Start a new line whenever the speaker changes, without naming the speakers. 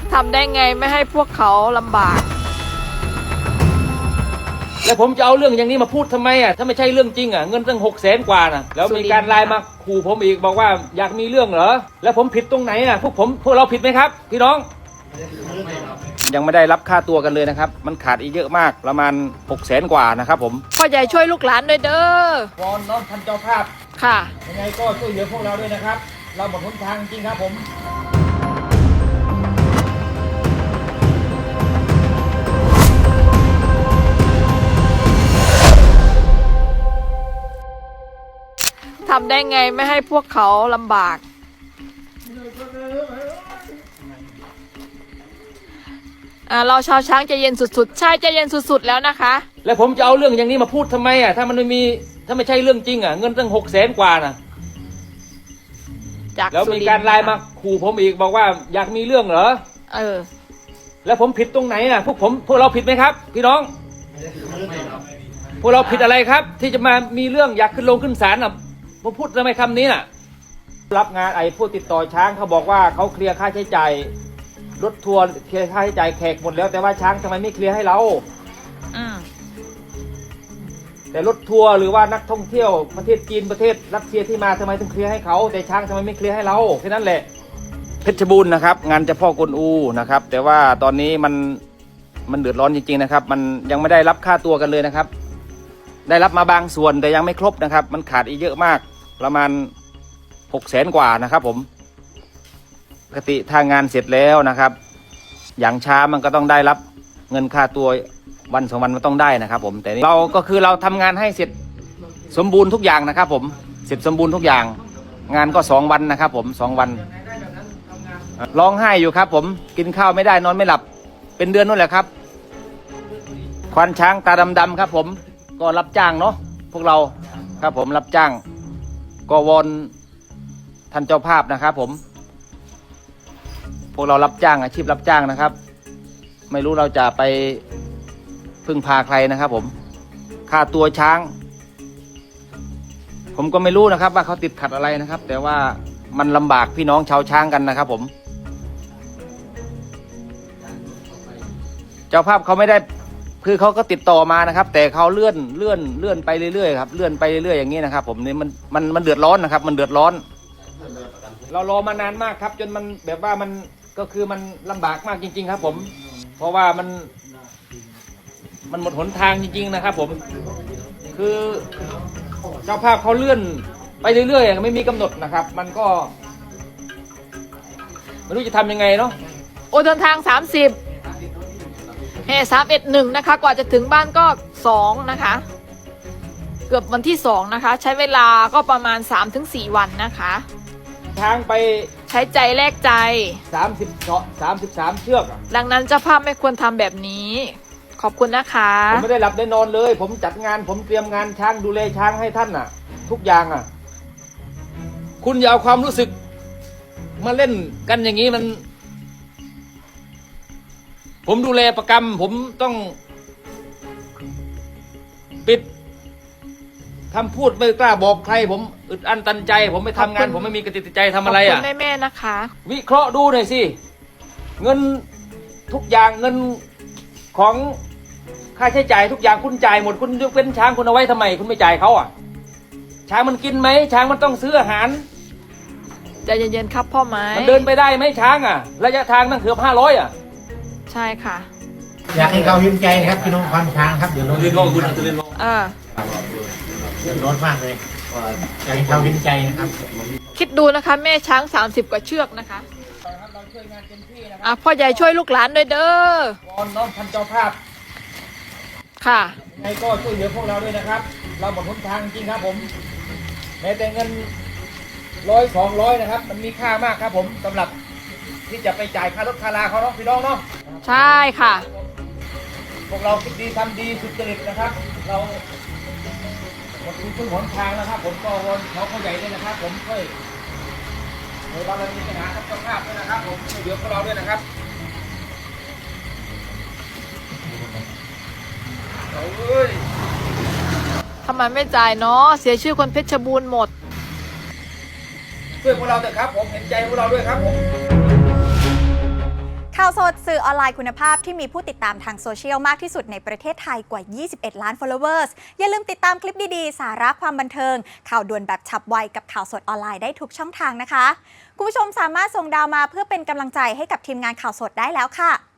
ทำได้ไงไม่ให้พวกเขาลำบาก
แล้วผมจะเอาเรื่องอย่างนี้มาพูดทำไมอ่ะถ้าไม่ใช่เรื่องจริงอ่ะเงินตั้ง600,000 กว่านะแล้วมีการไลน์มาขู่ผมอีกบอกว่าอยากมีเรื่องเหรอแล้วผมผิดตรงไหนอ่ะพวกเราผิดไหมครับพี่น้องยังไม่ได้รับค่าตัวกันเลยนะครับมันขาดอีกเยอะมากประมาณ600,000 กว่านะครับผม
พ่อใหญ่ช่วยลูกหลานด้วยเด้อ
วอนน้องท่านเจ้าภาพ
ค่ะ
ยังไงก็ช่วยเหลือพวกเราด้วยนะครับเราหมดหนทางจริงครับผม
ทำได้ไงไม่ให้พวกเขาลำบากเราชาวช้างใจเย็นสุดๆใช่ใจเย็นสุดๆแล้วนะคะ
แล้วผมจะเอาเรื่องอย่างนี้มาพูดทำไมอ่ะถ้าไม่ใช่เรื่องจริงอ่ะเงินตั้ง600,000 กว่านะแล้วมีการไลน์มาขู่ผมอีกบอกว่าอยากมีเรื่องเหรอแล้วผมผิดตรงไหนอ่ะพวกเราผิดไหมครับพี่น้องพวกเราผิดอะไรครับที่จะมามีเรื่องอยากขึ้นศาลอ่ะผมพูดทำไมคำนี้น่ะรับงานผู้ติดต่อช้างเขาบอกว่าเขาเคลียร์ค่าใช้จ่ายรถทัวร์เคลียร์ค่าใช้จ่ายแขกหมดแล้วแต่ว่าช้างทำไมไม่เคลียร์ให้เราแต่รถทัวร์หรือว่านักท่องเที่ยวประเทศจีนประเทศรัสเซียที่มาทำไมต้องเคลียร์ให้เขาแต่ช้างทำไมไม่เคลียร์ให้เราแค่นั้นแหละเพชรบูรณ์นะครับงานเจ้าพ่อกวนอูนะครับแต่ว่าตอนนี้มันเดือดร้อนจริงๆนะครับมันยังไม่ได้รับค่าตัวกันเลยนะครับได้รับมาบางส่วนแต่ยังไม่ครบนะครับมันขาดอีกเยอะมากประมาณ600,000 กว่านะครับผมปกติถ้างานเสร็จแล้วนะครับอย่างช้ามันก็ต้องได้รับเงินค่าตัววัน2 วันมันต้องได้นะครับผมแต่เราก็คือเราทำงานให้เสร็จสมบูรณ์ทุกอย่างนะครับผมเสร็จสมบูรณ์ทุกอย่างงานก็2 วันนะครับผม2 วันร้องไห้อยู่ครับผมกินข้าวไม่ได้นอนไม่หลับเป็นเดือนนู่นแหละครับควานช้างตาดำๆครับผมก็รับจ้างเนาะพวกเราครับผมรับจ้างก็วอนท่านเจ้าภาพนะครับผมพวกเรารับจ้างอาชีพรับจ้างนะครับไม่รู้เราจะไปพึ่งพาใครนะครับผมค่าตัวช้างผมก็ไม่รู้นะครับว่าเขาติดขัดอะไรนะครับแต่ว่ามันลำบากพี่น้องชาวช้างกันนะครับผมเจ้าภาพเขาไม่ได้คือเขาก็ติดต่อมานะครับแต่เขาเลื่อนไปเรื่อยๆครับเลื่อนไปเรื่อยๆอย่างนี้นะครับผมนี่มันเดือดร้อนนะครับมันเดือดร้อนเรารอมานานมากครับจนมันแบบว่ามันก็คือมันลำบากมากจริงๆครับผมเพราะว่ามันหมดหนทางจริงๆนะครับผมคือเจ้าภาพเขาเลื่อนไปเรื่อยๆไม่มีกำหนดนะครับมันก็ไม่รู้จะทำยังไงเนาะ
เดินทาง30แห่311นะคะกว่าจะถึงบ้านก็2นะคะเกือบวันที่2นะคะใช้เวลาก็ประมาณ 3-4 วันนะคะ
ช้างไป
ใช้ใจแลกใจ
33 เชือก
ดังนั้นเจ้าภาพไม่ควรทำแบบนี้ขอบคุณนะคะ
ผมไม่ได้หลับได้นอนเลยผมจัดงานผมเตรียมงานช้างดูแลช้างให้ท่านน่ะทุกอย่างอ่ะคุณอย่าเอาความรู้สึกมาเล่นกันอย่างนี้มันผมดูแลประกรรมผมต้องปิดคำพูดไม่กล้าบอกใครผมอึดอั้นตันใจผมไม่ทำงานผมไม่มีกระติกใจทำอะไรอ่ะ
ขอบคุณแม่ๆนะคะ
วิเคราะห์ดูหน่อยสิเงินทุกอย่างเงินของค่าใช้จ่ายทุกอย่างคุณจ่ายหมดคุณยกเว้นช้างคุณเอาไว้ทำไมคุณไม่จ่ายเขาอ่ะช้างมันกินไหมช้างมันต้องซื้ออาหาร
ใจเย็นๆครับพ่อไม้
มันเดินไปได้ไหมช้างอ่ะระยะทางตั้งเกือบ500อ่ะ
ใช่ค่ะ
อยากให้เขายิ้มใจครับพี่น้องควานช้างครับเดี๋ยวรถเรียนร้องคุณจะเรียนร้องเดือดร้อนมากเลยอยากให้เขายิ้มใจนะครับ
คิดดูนะคะแม่ช้าง30 กว่าเชือกนะคะพ่อใหญ่ช่วยลูกหลานด้วยเด้อ
วอนน้องท่านเจ้าภาพ
ค่ะ
ยังไงก็ช่วยเหลือพวกเราด้วยนะครับเราหมดหนทางจริงครับผมแม้แต่เงิน100-200นะครับมันมีค่ามากครับผมสำหรับที่จะไปจ่ายค่ารถค่าลาเขาเนาะพี่น้องเนาะ
ใช่ค่ะ
พวกเราคิดดีทำดีสุจริตนะครับเราหมดทุนหนทางนะครับผมก็วอนเขาใหญ่ด้วยนะครับผมช่วยเรามีปัญหากับเจ้าภาพด้วยนะครับผมช่วยเหลือพวกเราด้วยนะครับ
ทำไมไม่จ่ายเนาะเสียชื่อคนเพชรบูรณ์หมด
ช่วยพวกเราเถอะครับผมเห็นใจพวกเราด้วยครับผม
ข่าวาวสดสื่อออนไลน์คุณภาพที่มีผู้ติดตามทางโซเชียลมากที่สุดในประเทศไทยกว่า 21 ล้าน followers อย่าลืมติดตามคลิปดีๆ สาระความบันเทิง ข่าวด่วนแบบฉับไวกับข่าวสดออนไลน์ได้ทุกช่องทางนะคะ คุณผู้ชมสามารถส่งดาวมาเพื่อเป็นกำลังใจให้กับทีมงานข่าวสดได้แล้วค่ะ